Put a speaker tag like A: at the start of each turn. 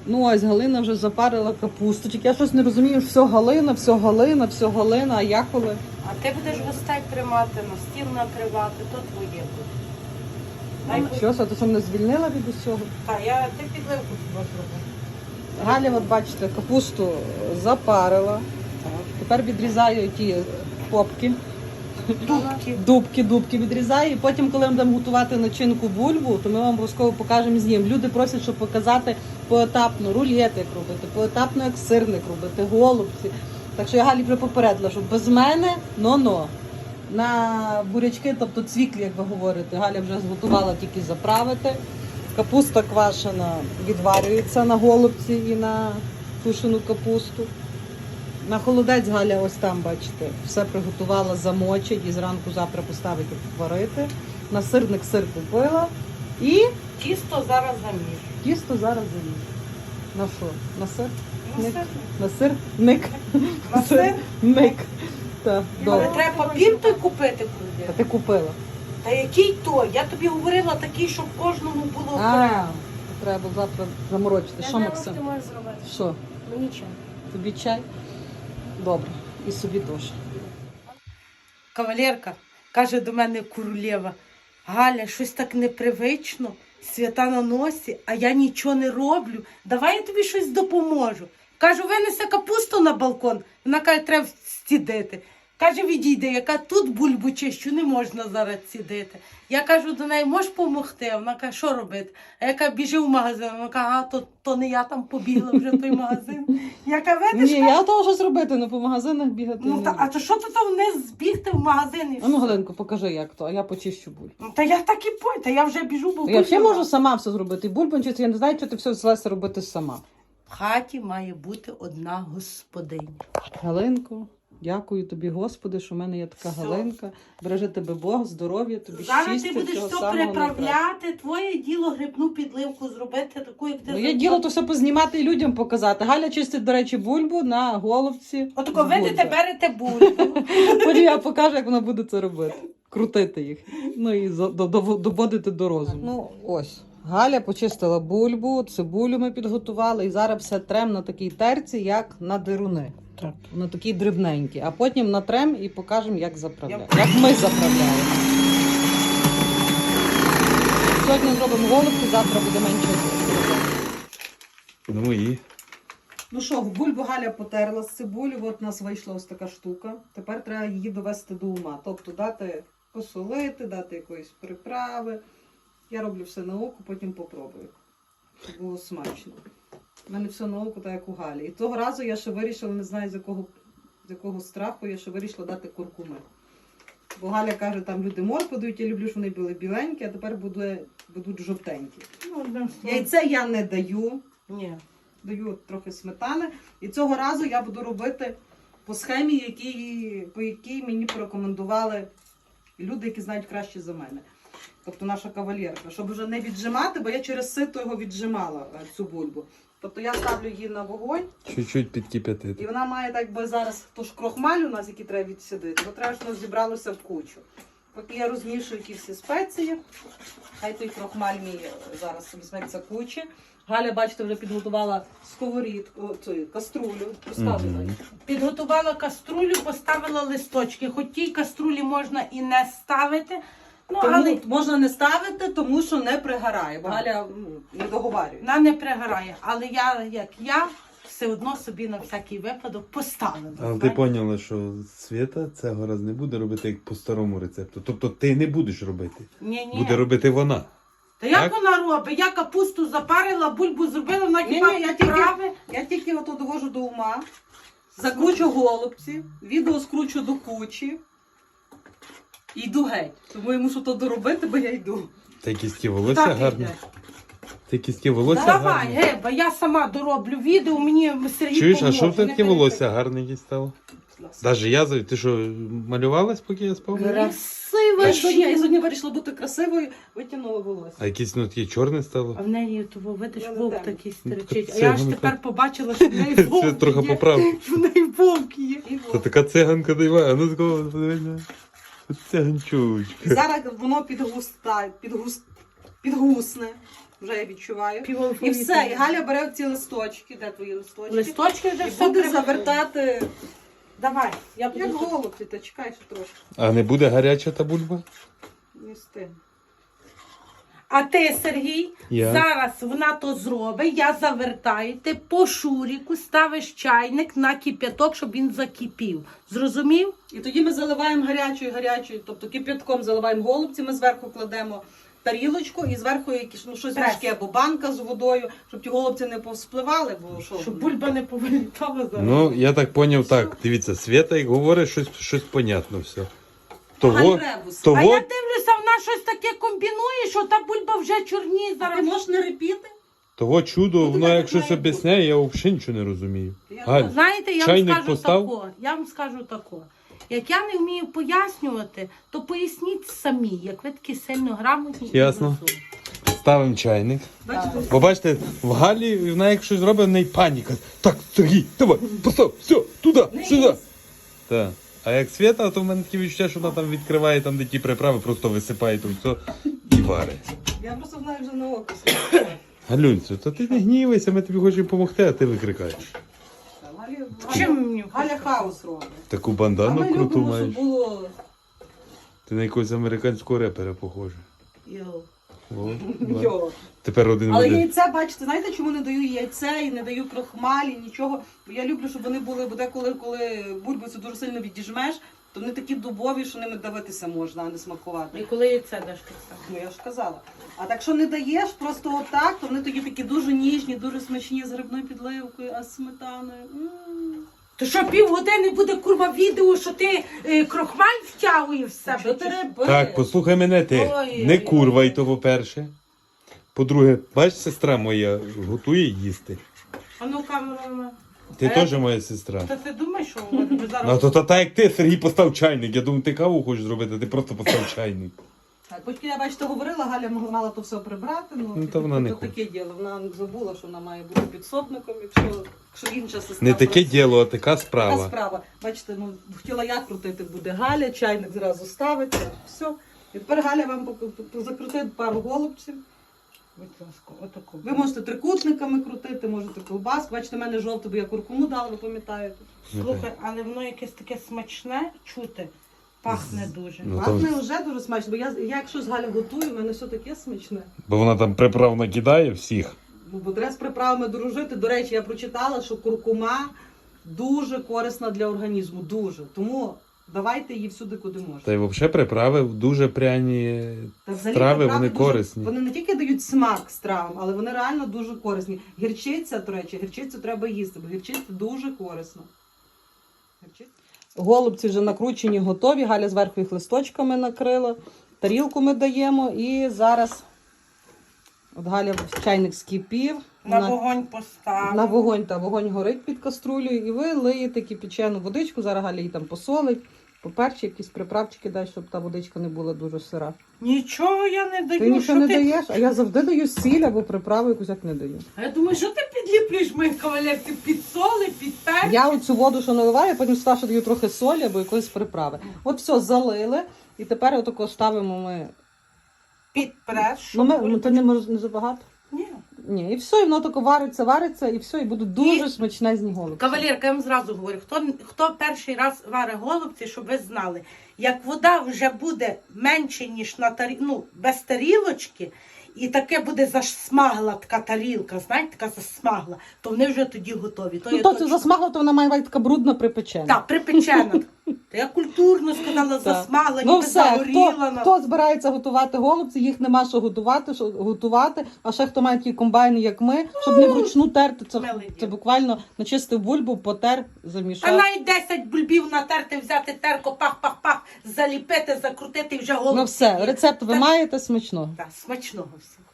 A: Ну ось Галина вже запарила капусту. Тільки я щось не розумію, все Галина, все Галина, все Галина, а я коли?
B: А ти будеш гостей приймати, на стіл накривати, то твоє буде.
A: Що, ти що мене звільнила від усього?
B: Так, ти підливку хіба зробив.
A: Галя, от бачите, капусту запарила. Тепер відрізаю ті попки. Дубки відрізаю. І потім, коли ми будемо готувати начинку бульбу, то ми вам обов'язково покажемо з ним. Люди просять, щоб показати поетапно рулет, як робити, поетапно, як сирник робити, голубці. Так що я Галі вже попередила, що без мене но-но. На бурячки, тобто цвіклі, як ви говорите, Галя вже зготувала тільки заправити. Капуста квашена відварюється на голубці і на тушену капусту. На холодець Галя ось там, бачите, все приготувала, замочить і зранку завтра поставити варити. На сирник сир купила і
B: Тісто зараз заміж.
A: тісто зараз заміж. На що? На сир?
B: На
A: Ник?
B: сир.
A: На сир? Ник.
B: На сир?
A: Ник. Так,
B: Але
A: добре.
B: треба папір той купити
A: Та
B: куди.
A: ти купила.
B: Та який той? Я тобі говорила такий, щоб кожному було окремо.
A: А, треба завтра заморочити. Що, Максим?
C: Ти можеш зробити.
A: Що?
C: Мені чай.
A: Тобі чай? Добре. І собі теж.
B: Кавалерка каже до мене королева: Галя, щось так непривично, свята на носі, а я нічого не роблю. Давай я тобі щось допоможу. Кажу, винеси капусту на балкон. Вона каже, треба стідити. Каже, відійди, яка тут бульбу чищу, не можна зараз цідити. Я кажу до неї, можеш допомогти? Вона каже, що робити? А я кажу, біжи в магазин. Вона каже, то не я там побігла вже в той магазин. Я кажу, видиш,
A: Ні, я того щось робити, не по магазинах бігати.
B: ну,
A: не
B: та,
A: люблю.
B: а то що ти там вниз збігти в магазин? І
A: А ну,
B: все?
A: Галенко, покажи, як то, а я почищу бульбу.
B: Ну, та я так і пой, та я вже біжу, бо
A: Я взагалі можу сама все зробити. І бульбу чистити, я не знаю, що ти все взялася робити сама.
B: В хаті має бути одна господиня.
A: Галинко, дякую тобі, Господи, що в мене є така
B: Все.
A: Галинка. Бережи тебе Бог, здоров'я, тобі
B: Зараз
A: щастя,
B: ти будеш
A: всього
B: все
A: самого найкращого.
B: приправляти, твоє діло грибну підливку зробити, таку, як ти
A: Ну, є діло то все познімати і людям показати. Галя чистить, до речі, бульбу на головці.
B: Отако
A: з
B: видите,
A: бульби.
B: берете бульбу.
A: Потім я покажу, як вона буде це робити. Крутити їх. Ну і доводити до розуму. Ну ось. Галя почистила бульбу, цибулю ми підготували і зараз все трем на такій терці, як на дируни.
B: Так.
A: На такій дрібненькі. А потім натрем і покажемо, як заправляємо. Як ми заправляємо. Сьогодні зробимо голубці, завтра буде менше робити.
D: Ну і?
A: Ну що, в бульбу Галя потерла з цибулю, от у нас вийшла ось така штука. Тепер треба її довести до ума. Тобто дати посолити, дати якоїсь приправи. Я роблю все на око, потім попробую. Щоб було смачно. У мене все на око, так як у Галі. І того разу я ще вирішила, не знаю з якого страху, я ще вирішила дати куркуми. Бо Галя каже, там люди моркву дають, я люблю, щоб вони були біленькі, а тепер будуть жовтенькі. Яйце я не даю.
B: Ні.
A: Даю трохи сметани. І цього разу я буду робити по схемі, по якій мені порекомендували люди, які знають краще за мене. Тобто наша кавалерка. Щоб вже не віджимати, бо я через сито його віджимала, цю бульбу. Тобто я ставлю її на вогонь,
D: Чуть-чуть
A: і
D: підкип'ятити.
A: вона має так би зараз тож крохмаль у нас, який треба відсідити, бо треба, щоб воно зібралося в кучу. Поки я розмішую ті всі спеції, хай той крохмаль мій зараз візьметься кучі. Галя, бачите, вже підготувала сковорідку, каструлю. Розказуй.
D: Мгм.
B: Підготувала каструлю, поставила листочки. Хоч тій каструлі можна і не ставити, ну,
A: Тому
B: але
A: можна не ставити, тому що не пригорає, бо Галя не договарює.
B: вона не пригорає. Але я все одно собі на всякий випадок поставила.
D: Але ти
B: знаєш.
D: поняла, що Свята цього раз не буде робити як по старому рецепту. Тобто ти не будеш робити.
B: Ні.
D: Буде робити вона.
B: Та як
D: Так?
B: вона робить? Я капусту запарила, бульбу зробила, вона хіба
A: Ні,
B: підправи.
A: Я тільки ото довожу до ума, закручу голубці, відео скручу до кучі і йду геть. Тому я мушу то доробити, бо я йду.
D: Та кістки волосся
B: Так,
D: гарні.
B: йде.
D: Та кістки волосся
B: Давай,
D: гарні.
B: Геба, я сама дороблю відео, мені Сергій
D: Чуєш, а
B: поможе,
D: що в тебе
B: не
D: таке
B: переживай.
D: волосся гарне якесь стало? Даже я, ти що, малювалась, поки я спав?
B: Красиво.
A: Я сьогодні вирішила бути красивою, витягнула волосся.
D: А якесь ну таке чорне стало?
B: А в неї того, видиш,
A: Я
B: вовк
A: не знаю.
B: такий
D: Ну,
B: стерчить. А
D: це
B: я ж
D: воно
B: тепер
D: так.
B: побачила, що в неї
D: Це
B: вовк
D: трохи
B: є.
D: поправ.
B: В неї вовк є.
A: І
D: Та така циганка дива, а ну такого подивися. Циганчучка.
A: зараз воно підгусне. вже я відчуваю.
B: Пів
A: І все, і Галя бере ці листочки, де твої листочки?
B: Листочки вже
A: І
B: все
A: буде
B: треба.
A: завертати,
B: Давай, я буду.
A: як голубці, та чекай ще трошки.
D: А не буде гаряча та бульба?
A: Не встиг.
B: А ти, Сергій,
D: Я?
B: зараз вона то зробить, я завертаю, ти по шуріку ставиш чайник на кип'яток, щоб він закипів. Зрозумів?
A: І тоді ми заливаємо гарячою, тобто кип'ятком заливаємо голубці, ми зверху кладемо тарілочку і зверху якісь, щось
B: Прес.
A: важке, або банка з водою, щоб ті голубці не повспливали, бо що?
B: Щоб бульба не повилітала зараз.
D: Ну, я так поняв, так. Дивіться, Свята, як говорить, щось понятно все. Того,
A: Гальребус.
B: А
D: того,
B: я дивлюся, вона щось таке комбінує, що та бульба вже чорніє
A: А ти
B: зараз.
A: можеш не репіти?
D: того чудо,
A: Ну,
D: воно
A: так
D: як щось
A: має бути.
D: об'ясняє, я взагалі нічого не розумію.
A: Я
D: Галь,
B: Знаєте, я вам
D: чайник
B: скажу
D: постав?
B: тако. Я вам скажу тако. Як я не вмію пояснювати, то поясніть самі, як ви такі сильно грамотні. і
D: Ясно.
B: розумні.
D: ставимо чайник.
A: Бачите?
D: Бо бачите, в Галі вона як щось робить, в неї паніка. Так, Сергій, давай, постав, все, туди, сюди. Так. А як Свята, то в мене таке відчуття, що вона там відкриває, там де ті приправи, просто висипає то все і варить.
A: Я просто знаю вже на око.
D: Галюнцю, то ти не гнівайся, ми тобі хочемо допомогти, а ти викрикаєш.
B: Чим мені?
A: Галя хаос робить.
D: Таку
A: А
D: бандану
A: ми
D: круту
A: любимо,
D: маєш.
A: щоб було...
D: Ти на якогось американського репера похожа.
B: Йоу.
D: О, да.
A: Йо.
D: Тепер один в
A: Але
D: один.
A: яйця, бачите, знаєте, чому не даю яйце і не даю крохмалі, нічого? Бо я люблю, щоб вони були, бо деколи, коли бульбицю дуже сильно відіжмеш, то вони такі дубові, що ними давитися можна, а не смакувати.
B: І коли яйце даш так само.
A: Ну я ж казала. А так що не даєш просто отак, то вони тоді такі дуже ніжні, дуже смачні з грибною підливкою, а з сметаною.
B: То що півгодини буде курва відео, що ти крохмаль втягуєш в себе?
A: Що ти риби?
D: Так, послухай мене ти.
B: Ой,
D: Не
B: ой,
D: курвай
B: ой.
D: то, по-перше. По-друге, бач, сестра моя готує їсти.
B: А ну камера.
D: Ти
B: А
D: теж
B: я-
D: моя сестра.
B: Та ти думаєш, що ви
D: Ну,
B: зараз...
D: то та як ти, Сергій, постав чайник. Я думаю, ти каву хочеш зробити, а ти просто постав чайник.
A: Так, поки я, бачите, говорила, Галя мала то все прибрати,
D: Ну, то вона не
A: то таке діло. Вона забула, що вона має бути підсобником, якщо інша сестра.
D: Не таке
A: просить.
D: діло, а така
A: Така
D: справа.
A: справа. Бачите, ну хотіла я крутити, буде Галя, чайник зразу ставиться, все. І тепер Галя вам закрутить пару голубців.
B: Будь ласка, отаку.
A: Ви можете трикутниками крутити, можете ковбаску. Бачите, в мене жовте, бо я куркуму дала, ви пам'ятаєте.
B: Слухай, але воно якесь таке смачне чути. Пахне дуже.
D: Ну,
A: Пахне
D: то-
A: вже дуже смачно, бо я якщо з Галя готую, в мене все таке смачне.
D: Бо вона там приправ накидає всіх.
A: Ну, бо треба з приправами дружити. До речі, я прочитала, що куркума дуже корисна для організму. Дуже. Тому давайте її всюди, куди можна.
D: Та й взагалі приправи дуже пряні
A: Та взагалі
D: страви,
A: приправи
D: вони
A: дуже-
D: корисні.
A: Вони не тільки дають смак стравам, але вони реально дуже корисні. Гірчиця, до речі, гірчицю треба їсти, бо гірчиця дуже корисна. Голубці вже накручені, готові. Галя зверху їх листочками накрила. Тарілку ми даємо і зараз от Галя чайник скипів.
B: На вогонь поставив.
A: На вогонь, та вогонь горить під каструлею, і ви лиєте кипячену водичку, зараз Галя її там посолить, поперчі, якісь приправчики дай, щоб та водичка не була дуже сира.
B: Нічого я не даю.
A: Ти нічого
B: що
A: не
B: ти...
A: даєш, а я завжди даю сіль або приправу якусь як не даю.
B: А я думаю, що ти підліплюєш моїх кавалер? Ти підсоли, підпер.
A: Я оцю воду, що наливаю, потім сюди даю трохи солі або якоїсь приправи. От все, залили, і тепер отако ставимо ми.
B: Підпреш.
A: Ну, то не забагато.
B: Ні.
A: Ні, і все, і воно тако вариться, і все, і будуть дуже смачнезні голубці.
B: Кавалерка, я вам зразу говорю, хто перший раз варить голубці, щоб ви знали, як вода вже буде менше, ніж на без тарілочки, і таке буде засмагла така тарілка, знаєте, така засмагла, то вони вже тоді готові. То
A: Ну,
B: є
A: то це
B: точно.
A: засмагло, то вона має бути така брудна припечена.
B: Так, припечена. Та я культурно сказала, засмагла,
A: Ну
B: ніби
A: все,
B: загоріла.
A: хто збирається готувати голубці, їх нема що готувати, а ще хто має такі комбайни, як ми, щоб не вручну терти,
B: Милий
A: це
B: дід.
A: буквально начистив бульбу, потер,
B: А
A: замішав.
B: навіть 10 бульбів натерти, взяти терко, пах-пах-пах, заліпити, закрутити і вже голубці.
A: Ну все,
B: є.
A: рецепт ви
B: Так.
A: маєте смачного.
B: Так, смачного всього.